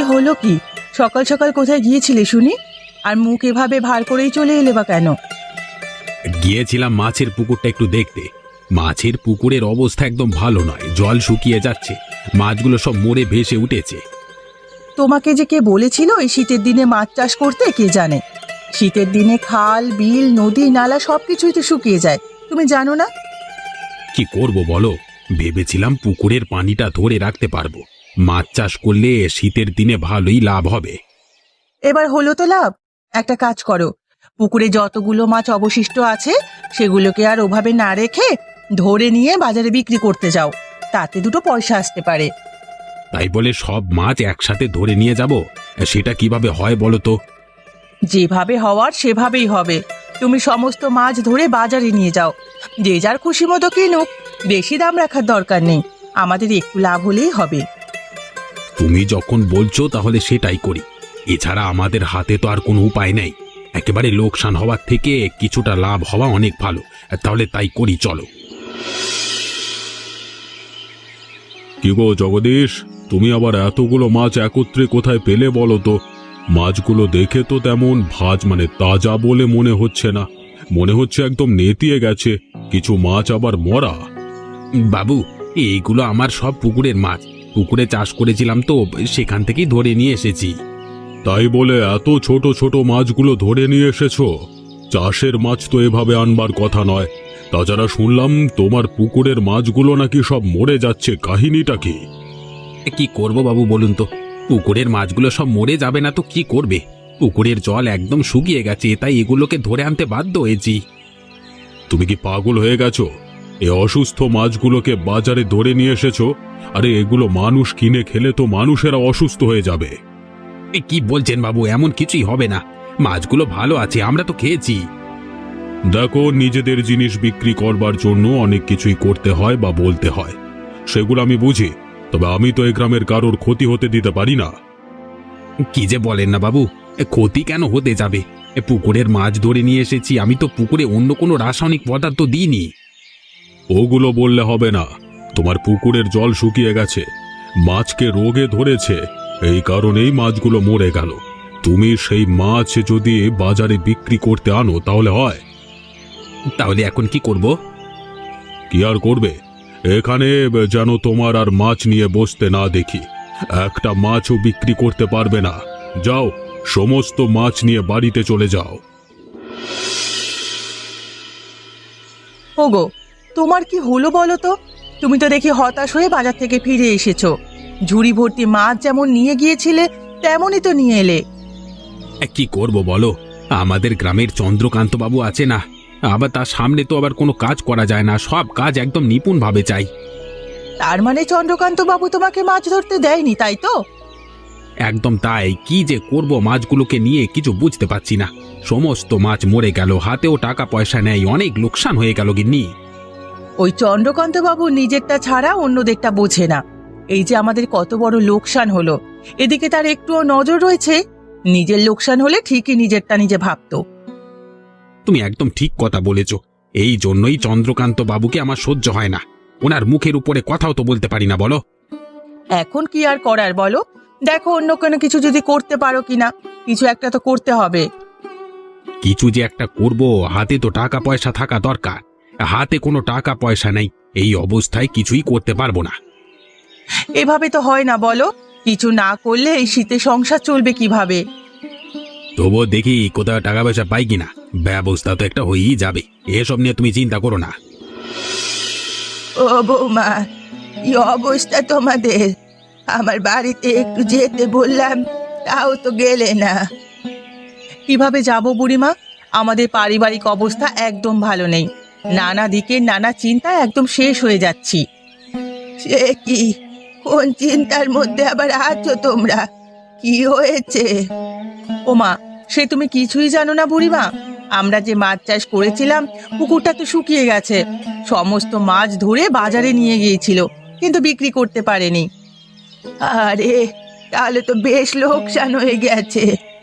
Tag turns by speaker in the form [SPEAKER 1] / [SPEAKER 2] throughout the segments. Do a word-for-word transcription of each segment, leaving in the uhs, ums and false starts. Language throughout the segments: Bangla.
[SPEAKER 1] হলো কি? সকাল সকাল কোথায় গিয়েছিলে শুনি? আর মুখ এভাবে ভার করেই চলে এলে বা কেন?
[SPEAKER 2] গিয়েছিলাম মাছের পুকুরটা একটু দেখতে। মাছের পুকুরের অবস্থা একদম ভালো নয়, জল শুকিয়ে যাচ্ছে, মাছগুলো সব মরে ভেসে উঠেছে।
[SPEAKER 1] তোমাকে যে কে বলেছিল এই শীতের দিনে মাছ চাষ করতে কে জানে? শীতের দিনে খাল বিল নদী নালা সবকিছুই তো শুকিয়ে যায়, তুমি জানো না?
[SPEAKER 2] কি করব বলো, ভেবেছিলাম পুকুরের পানিটা ধরে রাখতে পারবো, মাছ চাষ করলে শীতের দিনে ভালোই লাভ হবে।
[SPEAKER 1] এবার হলো তো লাভ। একটা কাজ করো, পুকুরে যতগুলো মাছ অবশিষ্ট আছে সেগুলোকে আর ওভাবে না রেখে ধরে নিয়ে বাজারে বিক্রি করতে যাও, তাতে দুটো পয়সা আসতে পারে।
[SPEAKER 2] তাই বলে সব মাছ একসাথে ধরে নিয়ে যাব? সেটা কিভাবে হয় বলো তো?
[SPEAKER 1] যেভাবে হওয়ার সেভাবেই হবে। তুমি সমস্ত মাছ ধরে বাজারে নিয়ে যাও, যে যার খুশি মতো কিনুক, বেশি দাম রাখার দরকার নেই, আমাদের একটু লাভ হলেই হবে।
[SPEAKER 2] তুমি যখন বলছো তাহলে সেটাই করি, এছাড়া আমাদের হাতে তো আর কোনো উপায় নেই। একেবারে লোকসান হওয়ার থেকে কিছুটা লাভ হওয়া অনেক ভালো, তাহলে তাই করি, চলো।
[SPEAKER 3] কি গো জগদীশ, তুমি আবার এতগুলো মাছ একত্রে কোথায় পেলে বলো তো? মাছগুলো দেখে তো তেমন ভাজ মানে তাজা বলে মনে হচ্ছে না, মনে হচ্ছে একদম নেতিয়ে গেছে। কিছু মাছ আবার মরা।
[SPEAKER 2] বাবু, এইগুলো আমার সব পুকুরের মাছ, পুকুরে চাষ করেছিলাম তো, সেখান থেকেই ধরে নিয়ে এসেছি।
[SPEAKER 3] তাই বলে এত ছোট ছোট মাছগুলো ধরে নিয়ে এসেছো? চাষের মাছ তো এভাবে আনবার কথা নয়। তাছাড়া শুনলাম তোমার পুকুরের মাছগুলো নাকি সব মরে যাচ্ছে, কাহিনীটা কি?
[SPEAKER 2] কি করব বাবু বলুন তো, পুকুরের মাছগুলো সব মরে যাবে না তো কি করবে? পুকুরের জল একদম শুকিয়ে গেছে, তাই এগুলোকে ধরে আনতে বাধ্য হয়েছি।
[SPEAKER 3] তুমি কি পাগল হয়ে গেছো? এ অসুস্থ মাছগুলোকে বাজারে ধরে নিয়ে এসেছো? আরে এগুলো মানুষ কিনে খেলে তো মানুষেরা অসুস্থ হয়ে যাবে।
[SPEAKER 2] এ কি বলছেন বাবু, এমন কিছুই হবে না, মাছগুলো ভালো আছে, আমরা তো খেয়েছি।
[SPEAKER 3] দেখো, নিজেদের জিনিস বিক্রি করবার জন্য অনেক কিছুই করতে হয় বা বলতে হয়, সেগুলো আমি বুঝি, তবে আমি তো এই গ্রামের কারোর ক্ষতি হতে দিতে পারি না।
[SPEAKER 2] কি যে বলেন না বাবু, এ ক্ষতি কেন হতে যাবে? এ পুকুরের মাছ ধরে নিয়ে এসেছি, আমি তো পুকুরে অন্য কোনো রাসায়নিক পদার্থ দিইনি।
[SPEAKER 3] ওগুলো বললে হবে না। তোমার পুকুরের জল শুকিয়ে গেছে, মাছকে রোগে ধরেছে, এই কারণেই মাছগুলো মরে গেল। তুমি সেই মাছ যদি বাজারে বিক্রি করতে আনো তাহলে হয়।
[SPEAKER 2] তাহলে এখন কি করব?
[SPEAKER 3] কি আর করবে, এখানে যেন তোমার আর মাছ নিয়ে বসতে না দেখি। একটা মাছও বিক্রি করতে পারবে না। যাও, সমস্ত মাছ নিয়ে বাড়িতে চলে যাও।
[SPEAKER 1] ওগো, তোমার কি হলো বলো তো? তুমি তো দেখি হতাশ হয়ে বাজার থেকে ফিরে এসেছো। ঝুড়ি ভর্তি মাছ যেমন নিয়ে গিয়েছিলে তেমনই তো নিয়ে এলে।
[SPEAKER 2] এ কি করব বলো, আমাদের গ্রামের চন্দ্রকান্ত বাবু আছে না, আবার তার সামনে তো আবার কোনো কাজ করা যায় না, সব কাজ একদম নিপুণভাবে চাই।
[SPEAKER 1] তার মানে চন্দ্রকান্ত বাবু তোমাকে মাছ ধরতে দেয়নি, তাই তো?
[SPEAKER 2] একদম তাই, কি যে করব মাছগুলোকে নিয়ে কিছু বুঝতে পারছি না। সমস্ত মাছ মরে গেল, হাতেও টাকা পয়সা নেই, অনেক লোকসান হয়ে গেল গিন্নি।
[SPEAKER 1] ওই চন্দ্রকান্ত বাবু নিজেরটা ছাড়া অন্যদেরটা বোঝে না। এই যে আমাদের কত বড় লোকসান হলো, এদিকে তার একটুও নজর রয়েছে? নিজের লোকসান হলে ঠিকই নিজেরটা নিজে ভাবতো।
[SPEAKER 2] তুমি একদম ঠিক কথা বলেছ, এই জন্যই চন্দ্রকান্ত বাবুকে আমার সহ্য হয় না, ওনার মুখের উপরে কথাও তো বলতে পারি না বলো।
[SPEAKER 1] এখন কি আর করার বলো? দেখো অন্য কোনো কিছু যদি করতে পারো কিনা, কিছু একটা তো করতে হবে।
[SPEAKER 2] কিছু যে একটা করব, হাতে তো টাকা পয়সা থাকা দরকার, হাতে কোনো টাকা পয়সা নেই, এই অবস্থায় কিছুই করতে পারবো না।
[SPEAKER 1] এভাবে তো হয় না বলো, কিছু না করলে এই শীতে সংসার চলবে কিভাবে?
[SPEAKER 2] তবুও দেখি কোথাও টাকা পয়সা পাই কিনা, ব্যবস্থা তো একটা হয়েই যাবে, এসব নিয়ে তুমি চিন্তা করো না।
[SPEAKER 1] ও বৌমা, কি অবস্থা তোমাদের? আমার বাড়িতে একটু যেতে বললাম, তাও তো গেলে না। কিভাবে যাব বুড়িমা? আমাদের পারিবারিক অবস্থা একদম ভালো নেই, নানা দিকে নানা চিন্তায় একদম শেষ হয়ে যাচ্ছি। সে কি, কোন চিন্তার মধ্যে আবার আছো তোমরা? কি হয়েছে? ওমা, সে তুমি কিছুই জানো না বুড়িমা? আমরা যে মাছ চাষ করেছিলাম, পুকুরটা তো শুকিয়ে গেছে। সমস্ত মাছ ধরে বাজারে নিয়ে গিয়েছিল, কিন্তু বিক্রি করতে পারেনি। আরে, তাহলে তো বেশ লোকসান হয়ে গেছে।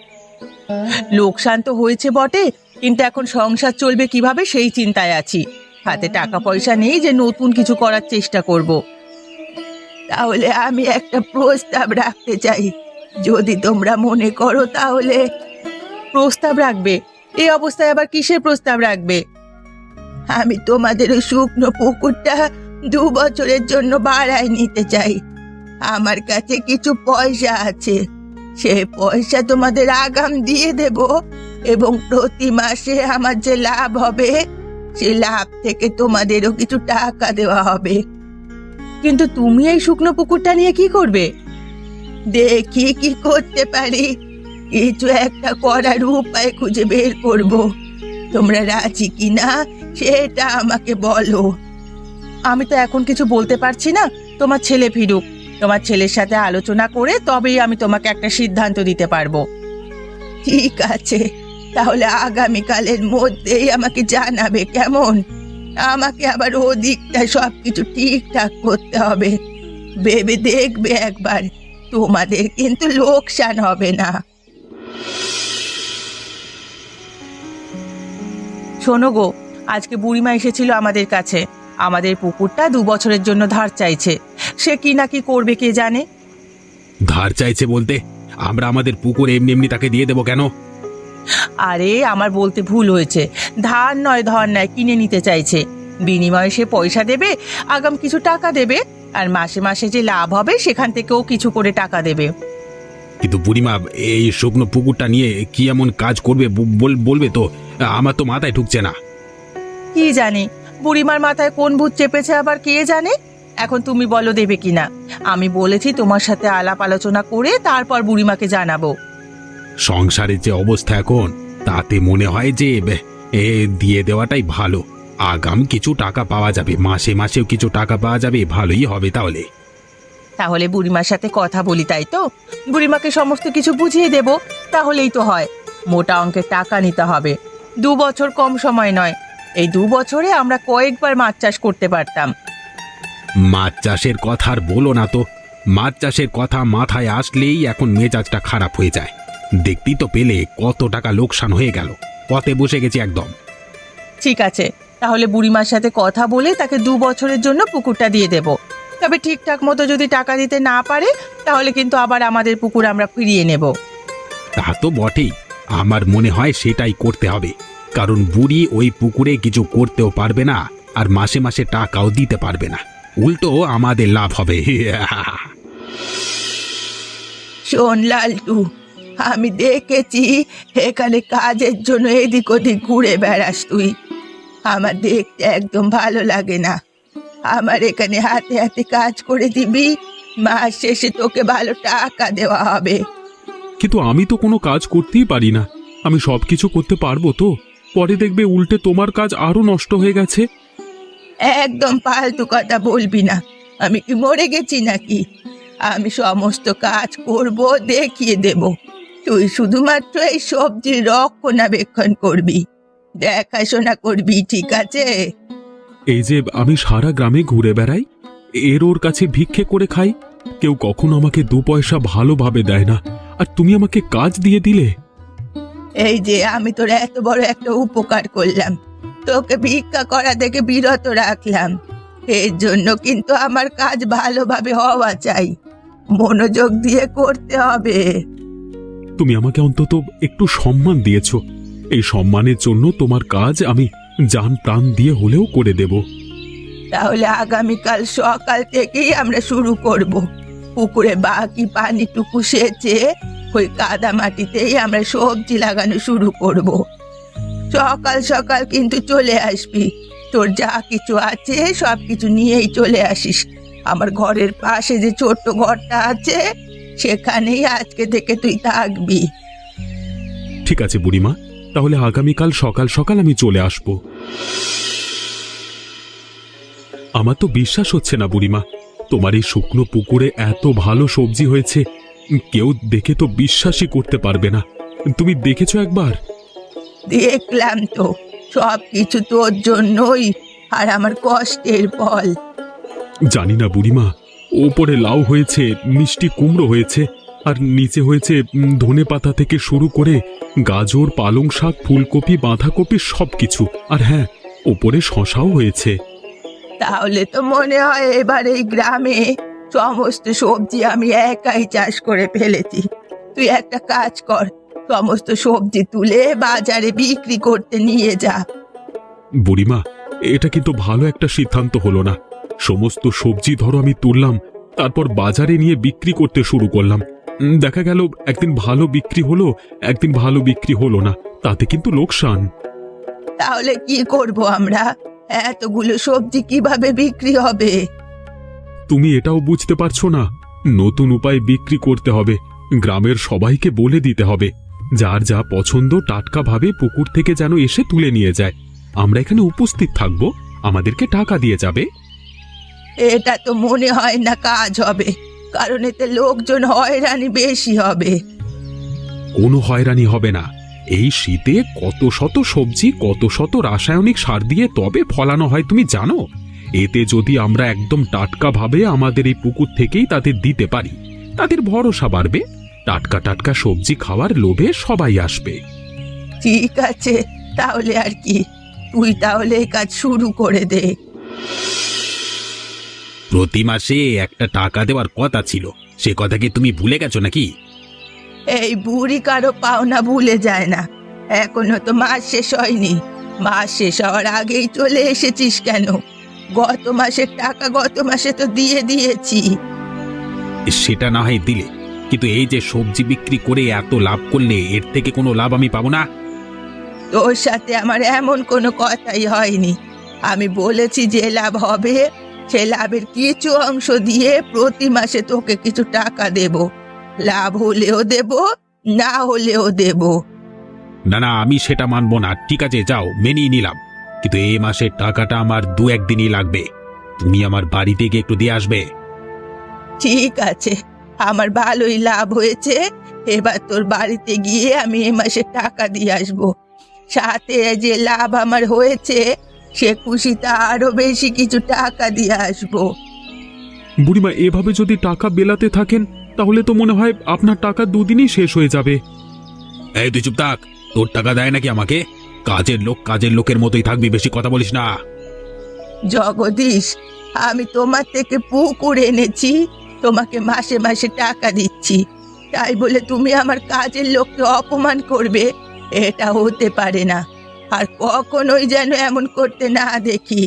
[SPEAKER 1] লোকসান তো হয়েছে বটে, কিন্তু এখন সংসার চলবে কিভাবে সেই চিন্তায় আছি। হাতে টাকা পয়সা নেই যে নতুন কিছু করার চেষ্টা করব। তাহলে আমি একটা প্রস্তাব রাখতে চাই, যদি তোমরা মনে করো তাহলে। প্রস্তাব রাখবে? এই অবস্থায় আবার কিসের প্রস্তাব রাখবে? আমি তোমাদের ওই শুকনো পুকুরটা দু বছরের জন্য ভাড়ায় নিতে চাই। আমার কাছে কিছু পয়সা আছে, সে পয়সা তোমাদের আগাম দিয়ে দেব এবং প্রতি মাসে আমার যে লাভ হবে সে লাভ থেকে তোমাদেরও কিছু টাকা দেওয়া হবে। কিন্তু তুমি এই শুকনো পুকুরটা নিয়ে কি করবে? দেখি কি করতে পারি, কিছু একটা করার উপায় খুঁজে বের করব। তোমরা রাজি কিনা সেটা আমাকে বলো। আমি তো এখন কিছু বলতে পারছি না, তোমার ছেলে ফিরুক, তোমার ছেলের সাথে আলোচনা করে তবেই আমি তোমাকে একটা সিদ্ধান্ত দিতে পারবো। ঠিক আছে, তাহলে আগামীকালের মধ্যেই আমাকে জানাবে, কেমন? আমাকে আবার ওদিকটা সব কিছু ঠিকঠাক করতে হবে। ভেবে দেখবে একবার, তোমাদের কিন্তু লোকসান হবে না। শোনো গো, আজকে বুড়িমা এসেছিল আমাদের কাছে, আমাদের পুকুরটা দু বছরের জন্য ধার চাইছে। সে কি না কি করবে কে জানে।
[SPEAKER 2] ধার চাইছে বলতে? আমরা আমাদের পুকুর এমনি এমনি তাকে দিয়ে দেবো কেন?
[SPEAKER 1] আরে আমার বলতে ভুল হয়েছে, ধার নয় ধর নয়, কিনে নিতে চাইছে। বিনিময়ে সে পয়সা দেবে, আগাম কিছু টাকা দেবে, আর মাসে মাসে যে লাভ হবে সেখান থেকেও কিছু করে টাকা দেবে।
[SPEAKER 2] কিন্তু বুড়িমা এই শুকনো পুকুরটা নিয়ে কি এমন কাজ করবে বল- বলবে তো? আমার তো মাথায় ঢুকছে না।
[SPEAKER 1] কি জানি বুড়িমার মাথায় কোন ভূত চেপেছে আবার কে জানে। এখন তুমি বলো দেবে কিনা। আমি বলেছি তোমার সাথে আলাপ আলোচনা করে তারপর বুড়িমাকে জানাবো।
[SPEAKER 2] সংসারের যে অবস্থা এখন, তাতে মনে হয় যে বে, এ দিয়ে দেওয়াটাই ভালো। আগাম কিছু টাকা পাওয়া যাবে, মাসে মাসেও কিছু টাকা পাওয়া যাবে, ভালোই হবে তাহলে।
[SPEAKER 1] তাহলে বুড়িমার সাথে কথা বলি, তাই তো? বুড়িমাকে সমস্ত কিছু বুঝিয়ে দেব, তাহলেই তো হয়। মোটা অঙ্কের টাকা নিতে হবে, দু বছর কম সময় নয়। এই দু বছরে আমরা কয়েকবার মাছ চাষ করতে পারতাম।
[SPEAKER 2] মাছ চাষের কথা আর বলো না তো। মাছ চাষের কথা মাথায় আসলেই এখন মেজাজটা খারাপ হয়ে যায়। দেখতেই তো পেলে কত টাকা লোকসান হয়ে গেল, পথে বসে গেছি একদম।
[SPEAKER 1] ঠিক আছে, তাহলে বুড়িমার সাথে কথা বলে তাকে দু বছরের জন্য পুকুরটা দিয়ে দেব। তবে ঠিকঠাক মতো যদি টাকা দিতে না পারে তাহলে কিন্তু আবার আমাদের পুকুর আমরা ফিরিয়ে নেব।
[SPEAKER 2] তা তো বটেই, আমার মনে হয় সেটাই করতে হবে। কারণ বুড়ি ওই পুকুরে কিছু করতেও পারবে না, আর মাসে মাসে টাকাও দিতে পারবে না। উল্টো আমাদের লাভ হবে।
[SPEAKER 1] শোন লালটু, আমি দেখেছি এখানে কাজের জন্য এদিক ওদিক ঘুরে বেড়াস তুই। আমার দেখতে একদম ভালো লাগে না। আমার এখানে হাতে হাতে কাজ করে দিবি, মাস শেষে তোকে ভালো টাকা দেওয়া হবে।
[SPEAKER 3] কিন্তু আমি তো কোনো কাজ করতেই পারি না। আমি সব কিছু করতে পারবো তো? পরে দেখবে উল্টে তোমার কাজ আরো নষ্ট হয়ে গেছে।
[SPEAKER 1] একদম ফালতু কথা বলবি না। আমি কি মরে গেছি নাকি? আমি সমস্ত কাজ করব, দেখিয়ে দেব। তুই শুধুমাত্র এই সবজির রক্ষণাবেক্ষণ করবি, দেখাশোনা করবি, ঠিক আছে?
[SPEAKER 3] এই যে আমি সারা গ্রামে ঘুরে বেড়াই, এর ওর কাছে ভিক্ষে করে খাই, কেউ কখনো আমাকে দু পয়সা ভালোভাবে দেয় না, আর তুমি আমাকে কাজ দিয়ে দিলে।
[SPEAKER 1] এই যে আমি তোর এত বড় একটা উপকার করলাম, তোকে ভিক্ষা করা থেকে বিরত রাখলাম, এর জন্য কিন্তু আমার কাজ ভালোভাবে হওয়া চাই, মনোযোগ দিয়ে করতে হবে।
[SPEAKER 3] তুমি আমাকে অন্তত একটু সম্মান দিয়েছো, এই সম্মানের জন্য তোমার কাজ আমি জান প্রাণ দিয়ে হলেও করে দেব।
[SPEAKER 1] তাহলে আগামীকাল সকাল থেকেই আমরা শুরু করব। পুকুরে বাকি পানিটুকু সেচে ওই কাদা মাটিতেই আমরা সবজি লাগানো শুরু করব। সকাল সকাল কিন্তু চলে আসবি, তোর যা কিছু আছে সব কিছু নিয়েই চলে আসিস। আমার ঘরের পাশে যে ছোট্ট ঘরটা আছে সেখানেই আজকে থেকে তুই থাকবি।
[SPEAKER 3] ঠিক আছে বুড়িমা, তাহলে আগামীকাল সকাল সকাল আমি চলে আসব। আমার তো বিশ্বাস হচ্ছে না বুড়িমা, তোমার এই শুকনো পুকুরে এত ভালো সবজি হয়েছে, কেউ দেখে তো বিশ্বাসই করতে পারবে না। তুমি দেখেছো একবার?
[SPEAKER 1] দেখলাম তো, সব কিছু তোর জন্যই, আর আমার কষ্টের ফল।
[SPEAKER 3] জানি না বুড়িমা, ওপরে লাউ হয়েছে, মিষ্টি কুমড়ো হয়েছে, আর নিচে হয়েছে ধনে পাতা থেকে শুরু করে গাজর, পালং শাক, ফুলকপি, বাঁধাকপি সবকিছু, আর হ্যাঁ, ওপরে শশাও হয়েছে।
[SPEAKER 1] তাহলে তো মনে হয় এবার এই গ্রামে সমস্ত সবজি আমি একাই চাষ করে ফেলেছি। তুই একটা কাজ কর, সমস্ত সবজি তুলে বাজারে বিক্রি করতে নিয়ে যা।
[SPEAKER 3] বুড়িমা, এটা কিন্তু ভালো একটা সিদ্ধান্ত হলো না। সমস্ত সবজি ধরো আমি তুললাম, তারপর বাজারে নিয়ে বিক্রি করতে শুরু করলাম। উম, দেখা গেল একদিন ভালো বিক্রি হলো, একদিন ভালো বিক্রি হলো না, তাতে কিন্তু লোকসান।
[SPEAKER 1] তাহলে কি করব আমরা? এতগুলো সবজি কিভাবে বিক্রি হবে?
[SPEAKER 3] তুমি এটাও বুঝতে পারছো না? নতুন উপায় বিক্রি করতে হবে, গ্রামের সবাইকে বলে দিতে হবে যার যা পছন্দ টাটকা ভাবে পুকুর থেকে যেন এসে তুলে নিয়ে যায়। আমরা এখানে উপস্থিত থাকব, আমাদেরকে টাকা দিয়ে যাবে।
[SPEAKER 1] এটা তো মনে হয় না কাজ হবে, কারণ এতে লোকজন হয়রানি বেশি হবে।
[SPEAKER 3] কোনো হয়রানি হবে না। এই শীতে কত শত সবজি কত শত রাসায়নিক সার দিয়ে তবে ফলানো হয় তুমি জানো? এতে যদি আমরা একদম টাটকা ভাবে আমাদের এই পুকুর থেকেই তাদের দিতে পারি, তাদের ভরসা বাড়বে, টাটকা টাটকা সবজি খাওয়ার লোভে সবাই আসবে।
[SPEAKER 1] ঠিক আছে, তাহলে আর কি, তুই তাহলে এই কাজ শুরু করে দে।
[SPEAKER 2] প্রতি মাসে একটা টাকা দেওয়ার কথা ছিল, সে কথা কি তুমি ভুলে গেছো নাকি?
[SPEAKER 1] এই বুড়ি কারো পাওনা ভুলে যায় না। এখনো তো মাস শেষ হয়নি, মাস শেষ হওয়ার আগেই চলে এসেছিস কেন? গত মাসের টাকা গত মাসে তো দিয়ে দিয়েছি।
[SPEAKER 2] সেটা না হয় দিলে, কিন্তু এই যে সবজি বিক্রি করে এত লাভ করলে এর থেকে কোনো লাভ আমি পাবো না?
[SPEAKER 1] তোর সাথে আমার এমন কোনো কথাই হয়নি। আমি বলেছি যে লাভ হবে সে লাভের কিছু অংশ দিয়ে প্রতি মাসে তোকে কিছু টাকা দেব। লাভ হলেও দেব, না হলেও দেব।
[SPEAKER 2] না না, আমি সেটা মানবো না। ঠিক আছে, যাও, মেনেই নিলাম, কিন্তু এই মাসের টাকাটা আমার দু একদিনই লাগবে। তুমি আমার বাড়িতে গিয়ে একটু দিয়ে আসবে।
[SPEAKER 1] ঠিক আছে, আমার ভালোই লাভ হয়েছে, এবার তোর বাড়িতে গিয়ে আমি এ মাসে টাকা দিয়ে আসবো। সাথে যে লাভ আমার হয়েছে সে খুশিতে আরো বেশি কিছু টাকা দিয়ে আসবো।
[SPEAKER 3] বুড়িমা, এভাবে যদি টাকা বেলাতে থাকেন তাহলে তো মনে হয় আপনার টাকা দুদিনই শেষ হয়ে যাবে।
[SPEAKER 2] এই তুই চুপ থাক, তোর টাকা দেয় নাকি আমাকে? কাজের লোক কাজের লোকের মতোই থাকবি, বেশি কথা বলিস না।
[SPEAKER 1] জগদীশ, আমি তোমার থেকে পুকুর এনেছি, তোমাকে মাসে মাসে টাকা দিচ্ছি, তাই বলে তুমি আমার কাজের লোককে অপমান করবে? এটা হতে পারে না, আর কখনোই যেন এমন করতে না দেখি।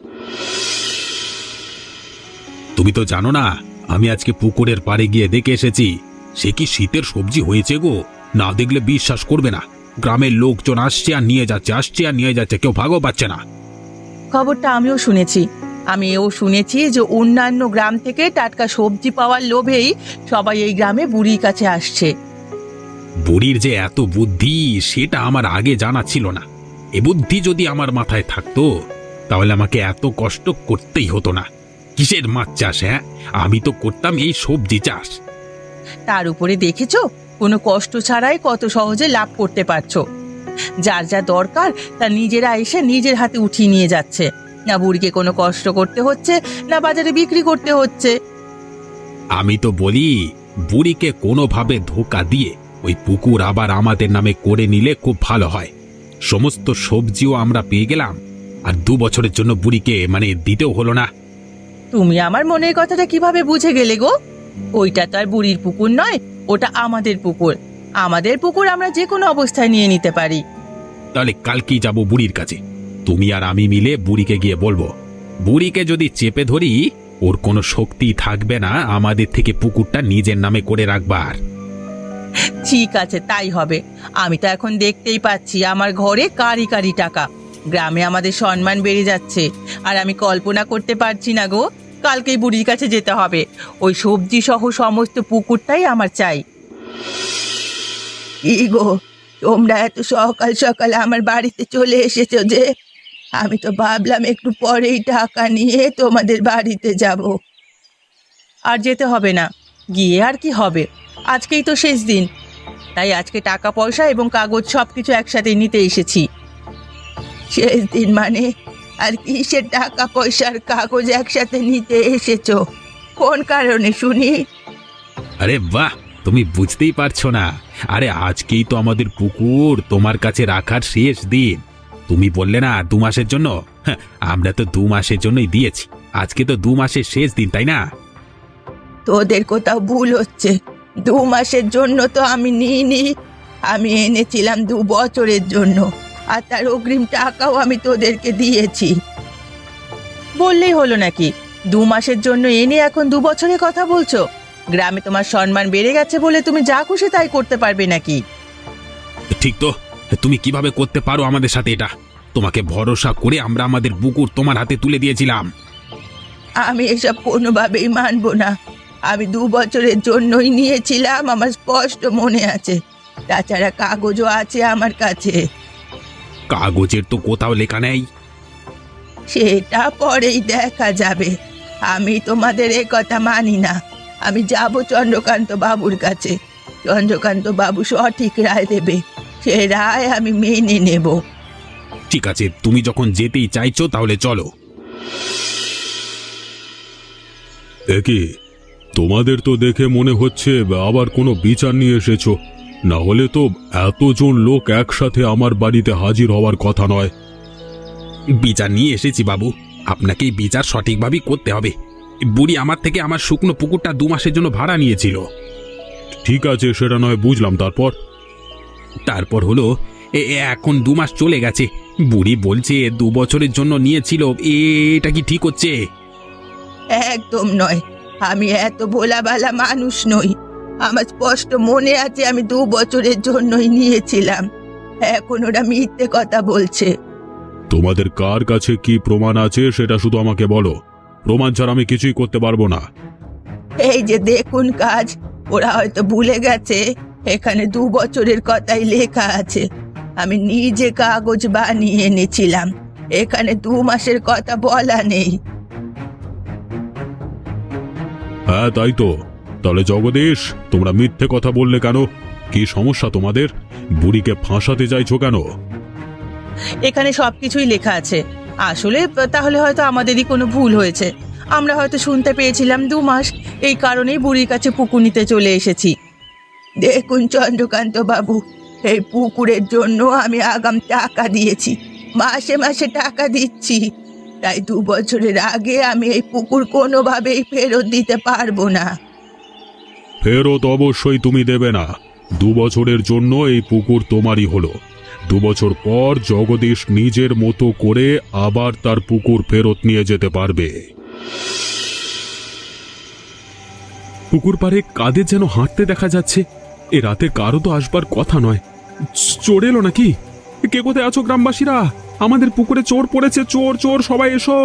[SPEAKER 2] তুমি তো জানো না, আমি আজকে পুকুরের পাড়ে গিয়ে দেখে এসেছি সে কি শীতের সবজি হয়েছে গো। না দেখলে বিশ্বাস করবে না। গ্রামের লোকজন আসছে আর নিয়ে যাচ্ছে, আসছে আর নিয়ে যাচ্ছে, কেউ ভাগও পাচ্ছে না।
[SPEAKER 1] খবরটা আমিও শুনেছি। আমি এও শুনেছি যে অন্যান্য গ্রাম থেকে টাটকা সবজি পাওয়ার লোভেই সবাই এই গ্রামে বুড়ির কাছে আসছে।
[SPEAKER 2] বুড়ির যে এত বুদ্ধি সেটা আমার আগে জানা ছিল না। এ বুদ্ধি যদি আমার মাথায় থাকতো তাহলে আমাকে এত কষ্ট করতেই হতো না। কিসের মাছ চাষ? হ্যাঁ, আমি তো করতাম এই সবজি চাষ।
[SPEAKER 1] তার উপরে দেখেছো, কোনো কষ্ট ছাড়াই কত সহজে লাভ করতে পারছো। যার যা দরকার তা নিজেরা এসে নিজের হাতে উঠিয়ে নিয়ে যাচ্ছে, না বুড়িকে কোনো কষ্ট করতে হচ্ছে, না বাজারে বিক্রি করতে হচ্ছে।
[SPEAKER 2] আমি তো বলি, বুড়িকে কোনোভাবে ধোকা দিয়ে ওই পুকুর আবার আমাদের নামে করে নিলে খুব ভালো হয়। সমস্ত সবজিও আমরা পেয়ে গেলাম, আর দু বছরের জন্য বুড়িকে মানে দিতেও হলো না।
[SPEAKER 1] তুমি আমার মনের কথাটা কিভাবে বুঝে গেলে গো? ওইটা তো আর বুড়ির পুকুর নয়, ওটা আমাদের পুকুর। আমাদের পুকুর আমরা যে কোনো অবস্থায় নিয়ে নিতে পারি।
[SPEAKER 2] তাহলে কালকেই যাব বুড়ির কাছে। তুমি আর আমি মিলে বুড়িকে গিয়ে বলবো, বুড়িকে যদি চেপে ধরি ওর কোনো শক্তি থাকবে না আমাদের থেকে পুকুরটা নিজের নামে করে রাখবার।
[SPEAKER 1] ঠিক আছে, তাই হবে। আমি তো এখন দেখতেই পাচ্ছি আমার ঘরে কারি কারি টাকা। গ্রামে আমাদের সম্মান বেড়ে যাচ্ছে, আর আমি কল্পনা করতে পারছি না গো, কালকেই বুড়ির কাছে যেতে হবে। ওই সবজি সহ সমস্ত পুকুরটাই আমার চাই। কি গো, তোমরা এত সকাল সকাল আমার বাড়িতে চলে এসেছো যে? আমি তো ভাবলাম একটু পরেই টাকা নিয়ে তোমাদের বাড়িতে যাব। আর যেতে হবে না, গিয়ে আর কি হবে, আজকেই তো শেষ দিন। তাই আজকে টাকা পয়সা এবং কাগজ সব কিছু একসাথে নিতে এসেছি। শেষ দিন মানে? আর কিসের টাকা পয়সার কাগজ একসাথে নিতে এসেছো? কোন কারণে শুনি?
[SPEAKER 2] আরে বাহ, তুমি বুঝতেই পারছো না। আরে আজকেই তো আমাদের পুকুর তোমার কাছে রাখার শেষ দিন। তুমি বললে না দু মাসের জন্য, হ্যাঁ, আমরা তো দু মাসের জন্যই দিয়েছি। আজকে তো দু মাসের শেষ দিন, তাই না?
[SPEAKER 1] তোদের কোথাও ভুল হচ্ছে। দু মাসের জন্য তো আমি নিইনি, আমি এনেছিলাম দু বছরের জন্য, আর তার অগ্রিম টাকাও আমি তোদেরকে দিয়েছি। বললেই হলো নাকি? দু মাসের জন্য এনে এখন দু বছরের কথা বলছো? গ্রামে তোমার সম্মান বেড়ে গেছে বলে তুমি যা খুশি তাই করতে পারবে নাকি?
[SPEAKER 2] ঠিক তো, তুমি কিভাবে করতে পারো আমাদের সাথে এটা? তোমাকে ভরসা করে আমরা আমাদের পুকুর তোমার হাতে তুলে দিয়েছিলাম।
[SPEAKER 1] আমি এসব কোনোভাবেই মানবো না। আমি দু বছরের জন্যই নিয়েছিলাম, আমার স্পষ্ট মনে আছে। তাছাড়া কাগজও আছে আমার কাছে।
[SPEAKER 2] কাগজের তো কোথাও লেখা নেই।
[SPEAKER 1] সেটা পরেই দেখা যাবে। আমি তোমাদের এ কথা মানি না। আমি যাব চন্দ্রকান্ত বাবুর কাছে। চন্দ্রকান্ত বাবু সঠিক রায় দেবে, সে রায় আমি মেনে নেব।
[SPEAKER 2] ঠিক আছে, তুমি যখন যেতেই চাইছো তাহলে চলো।
[SPEAKER 3] একি তোমাদের তো দেখে মনে হচ্ছে আবার কোনো বিচার নিয়ে এসেছো, না হলে তো এতজন লোক একসাথে আমার বাড়িতে হাজির হওয়ার কথা নয়।
[SPEAKER 2] বিচার নিয়ে এসেছি বাবু, আপনাকে এই বিচার সঠিকভাবেই করতে হবে। বুড়ি আমার থেকে আমার শুকনো পুকুরটা দু মাসের জন্য ভাড়া নিয়েছিল।
[SPEAKER 3] ঠিক আছে, সেটা নয় বুঝলাম, তারপর?
[SPEAKER 2] তারপর হলো এ এ এখন দু মাস চলে গেছে, বুড়ি বলছে দু বছরের জন্য নিয়েছিল। এটা কি ঠিক হচ্ছে?
[SPEAKER 1] একদম নয়। আমি এত ভোলাভালা মানুষ নই। আমার স্পষ্ট মনে আছে আমি দু বছরের জন্যই নিয়েছিলাম। এখন ওরা মিথ্যে কথা বলছে।
[SPEAKER 3] তোমাদের কার কাছে কি প্রমাণ আছে সেটা শুধু আমাকে বলো। প্রমাণ ছাড়া আমি কিছুই করতে পারবো না।
[SPEAKER 1] এই যে দেখুন কাজ, ওরা হয়তো ভুলে গেছে এখানে দু বছরের কথাই লেখা আছে। আমি নিজে কাগজ বানিয়ে এনেছিলাম, এখানে দু মাসের কথা বলা নেই।
[SPEAKER 3] হ্যাঁ তাই তো। তাহলে জগদীশ, তোমরা মিথ্যে কথা বললে কেন? কি সমস্যা তোমাদের? বুড়িকে ফাঁসাতে চাইছো কেন?
[SPEAKER 1] এখানে সবকিছুই লেখা আছে। আসলে তাহলে হয়তো আমাদেরই কোনো ভুল হয়েছে। আমরা হয়তো শুনতে পেয়েছিলাম দু মাস, এই কারণেই বুড়ির কাছে পুকুর নিতে চলে এসেছি। দেখুন চন্দ্রকান্ত বাবু, এই পুকুরের জন্য আমি আগাম টাকা দিয়েছি, মাসে মাসে টাকা দিচ্ছি। তাই দু বছরের আগে আমি এই পুকুর কোনোভাবেই ফেরত দিতে পারবো না।
[SPEAKER 3] ফেরত অবশ্যই তুমি দেবে না। দু বছরের জন্য এই পুকুর তোমারই হলো। দু বছর পর জগদীশ নিজের মতো করে আবার তার পুকুর ফেরত নিয়ে যেতে পারবে।
[SPEAKER 4] পুকুর পাড়ে কাদের যেন হাঁটতে দেখা যাচ্ছে। এ রাতে কারো তো আসবার কথা নয়। চোর এলো নাকি? কে কোথায় আছো গ্রামবাসীরা? আমাদের পুকুরে চোর পড়েছে, চোর চোর, সবাই এসো।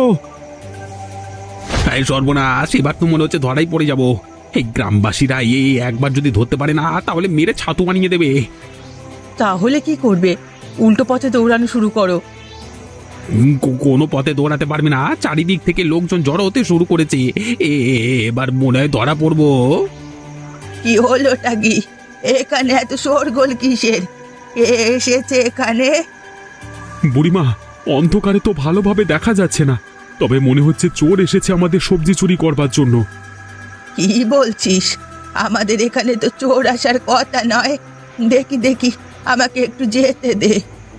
[SPEAKER 2] এই সর্বনাশ, এবার তো মনে হচ্ছে ধরাই পড়ে যাব। এই গ্রামবাসীরা এই একবার যদি ধরতে পারে না তাহলে মেরে ছাতু বানিয়ে দেবে।
[SPEAKER 1] তাহলে কি করবে? উল্টো পথে দৌড়ানো শুরু করো।
[SPEAKER 2] উম, কো- কোনো পথে দৌড়াতে পারবে না, চারিদিক থেকে লোকজন জড়ো হতে শুরু করেছে। এ এ- এবার মনে হয় ধরা পড়বো।
[SPEAKER 1] কি হলোটা কি? এখানে এত শোরগোল কিসের? কে এসেছে এখানে?
[SPEAKER 4] বুড়িমা, অন্ধকারে তো ভালোভাবে দেখা যাচ্ছে না, তবে মনে হচ্ছে চোর এসেছে আমাদের সবজি চুরি করবার জন্য।
[SPEAKER 1] কি বলছিস? আমাদের এখানে তো চোর আসার কথা নয়। দেখি দেখি, আমাকে একটু যেতে দে।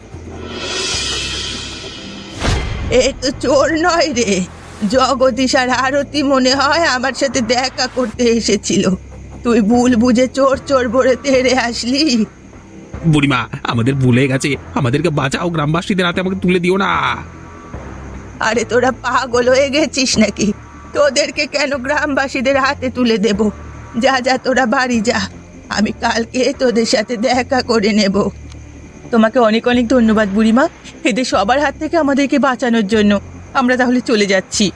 [SPEAKER 1] এ তো চোর নয় রে, জগদীশ আর আরতি মনে হয় আমার সাথে দেখা করতে এসেছিল। তুই ভুল বুঝে চোর চোর বলে তেড়ে আসলি।
[SPEAKER 2] বুড়িমা, আমাদের ভুলে গেছে, আমাদেরকে বাঁচাও, গ্রামবাসীদের হাতে আমাকে তুলে দিও না।
[SPEAKER 1] আরে তোরা পাগল হয়ে গেছিস নাকি? তোদেরকে কেন গ্রামবাসীদের হাতে তুলে দেব? যা যা, তোরা বাড়ি যা, আমি কালকে তোদের সাথে দেখা করে নেব। তোমাকে অনেক অনেক ধন্যবাদ বুড়িমা, এদের সবার হাত থেকে আমাদেরকে বাঁচানোর জন্য। আমরা তাহলে চলে যাচ্ছি।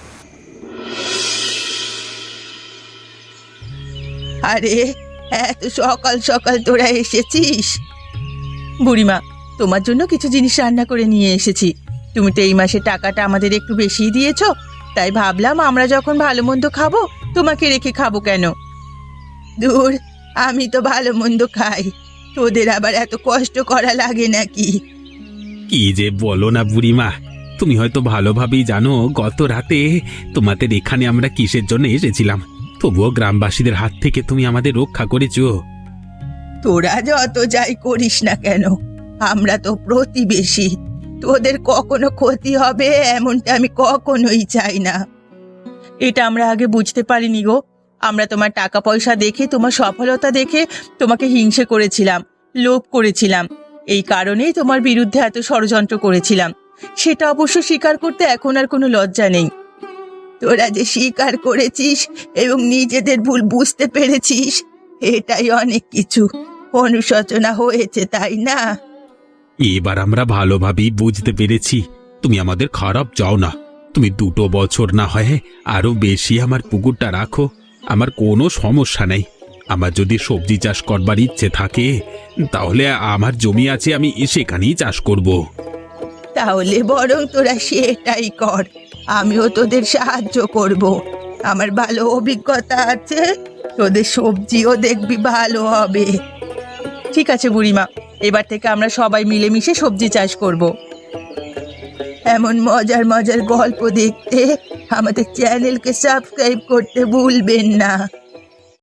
[SPEAKER 1] আরে এত সকাল সকাল তোরা এসেছিস? বুড়িমা, তোমার জন্য কিছু জিনিস রান্না করে নিয়ে এসেছি। তুমি তো এই মাসে টাকাটা আমাদের একটু বেশিই দিয়েছো, তাই ভাবলাম আমরা যখন ভালো মন্দ খাবো তোমাকে রেখে খাবো কেন। দূর, আমি তো ভালো মন্দ খাই, তোদের আবার এত কষ্ট করা লাগে নাকি?
[SPEAKER 2] কি যে বলো না বুড়িমা, তুমি হয়তো ভালোভাবেই জানো গত রাতে তোমাদের এখানে আমরা কিসের জন্য এসেছিলাম, তবুও গ্রামবাসীদের হাত থেকে তুমি আমাদের রক্ষা করেছো।
[SPEAKER 1] তোরা যত যাই করিস না কেন, আমরা তো প্রতিবেশী। তোদের কখনো ক্ষতি হবে এমনটা আমি কখনোই চাই না। এটা আমরা আগে বুঝতে পারিনি গো। আমরা তোমার টাকা পয়সা দেখে, তোমার সফলতা দেখে তোমাকে হিংসে করেছিলাম, লোভ করেছিলাম। এই কারণেই তোমার বিরুদ্ধে এত ষড়যন্ত্র করেছিলাম। সেটা অবশ্য স্বীকার করতে এখন আর কোনো লজ্জা নেই। তোরা যে স্বীকার করেছিস এবং নিজেদের ভুল বুঝতে পেরেছিস, এটাই অনেক কিছু। অনুশোচনা হয়েছে, তাই না?
[SPEAKER 2] এবার আমরা ভালোভাবেই বুঝতে পেরেছি তুমি আমাদের খারাপ চাও না। তুমি দুটো বছর না হয় আরো বেশি আমার পুকুরটা রাখো, আমার কোনো সমস্যা নেই। আমার যদি সবজি চাষ করবার ইচ্ছে থাকে তাহলে আমার জমি আছে, আমি সেখানেই চাষ করব।
[SPEAKER 1] তাহলে বরং তোরা সেটাই কর, আমিও তোদের সাহায্য করব। আমার ভালো অভিজ্ঞতা আছে, তোদের সবজিও দেখবি ভালো হবে। ঠিক আছে বুড়িমা, এবার থেকে আমরা সবাই মিলেমিশে সবজি চাষ করব। এমন মজার মজার গল্প দেখতে আমাদের চ্যানেলকে সাবস্ক্রাইব করতে ভুলবেন না।